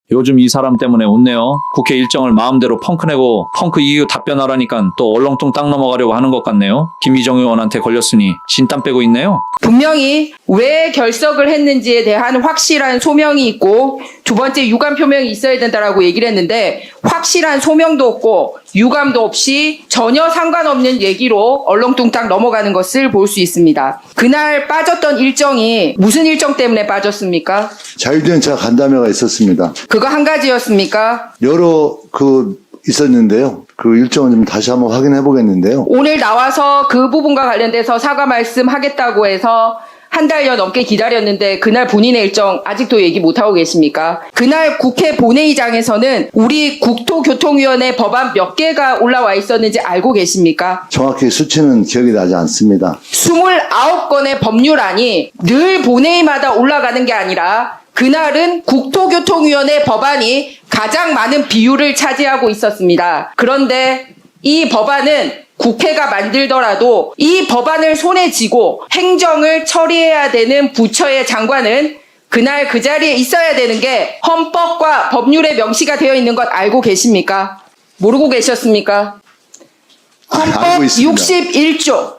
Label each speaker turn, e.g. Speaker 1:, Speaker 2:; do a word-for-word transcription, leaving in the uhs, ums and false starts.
Speaker 1: 요즘 이 사람 때문에 웃네요. 국회 일정을 마음대로 펑크내고 펑크 이유 답변하라니까 또 얼렁뚱 땅 넘어가려고 하는 것 같네요. 김희정 의원한테 걸렸으니 진땀 빼고 있네요.
Speaker 2: 분명히 왜 결석을 했는지에 대한 확실한 소명이 있고 두 번째 유감 표명이 있어야 된다라고 얘기를 했는데 확실한 소명도 없고 유감도 없이 전혀 상관없는 얘기로 얼렁뚱땅 넘어가는 것을 볼 수 있습니다. 그날 빠졌던 일정이 무슨 일정 때문에 빠졌습니까?
Speaker 3: 자유대행차 간담회가 있었습니다.
Speaker 2: 그거 한 가지였습니까?
Speaker 3: 여러 그 있었는데요. 그 일정은 좀 다시 한번 확인해 보겠는데요.
Speaker 2: 오늘 나와서 그 부분과 관련돼서 사과 말씀하겠다고 해서 한 달여 넘게 기다렸는데 그날 본인의 일정 아직도 얘기 못하고 계십니까? 그날 국회 본회의장에서는 우리 국토교통위원회 법안 몇 개가 올라와 있었는지 알고 계십니까?
Speaker 3: 정확히 수치는 기억이 나지 않습니다.
Speaker 2: 스물아홉 건의 법률안이 늘 본회의마다 올라가는 게 아니라 그날은 국토교통위원회 법안이 가장 많은 비율을 차지하고 있었습니다. 그런데 이 법안은 국회가 만들더라도 이 법안을 손에 쥐고 행정을 처리해야 되는 부처의 장관은 그날 그 자리에 있어야 되는 게 헌법과 법률에 명시가 되어 있는 것 알고 계십니까? 모르고 계셨습니까?
Speaker 3: 아, 알고
Speaker 2: 헌법
Speaker 3: 있습니다.
Speaker 2: 육십일 조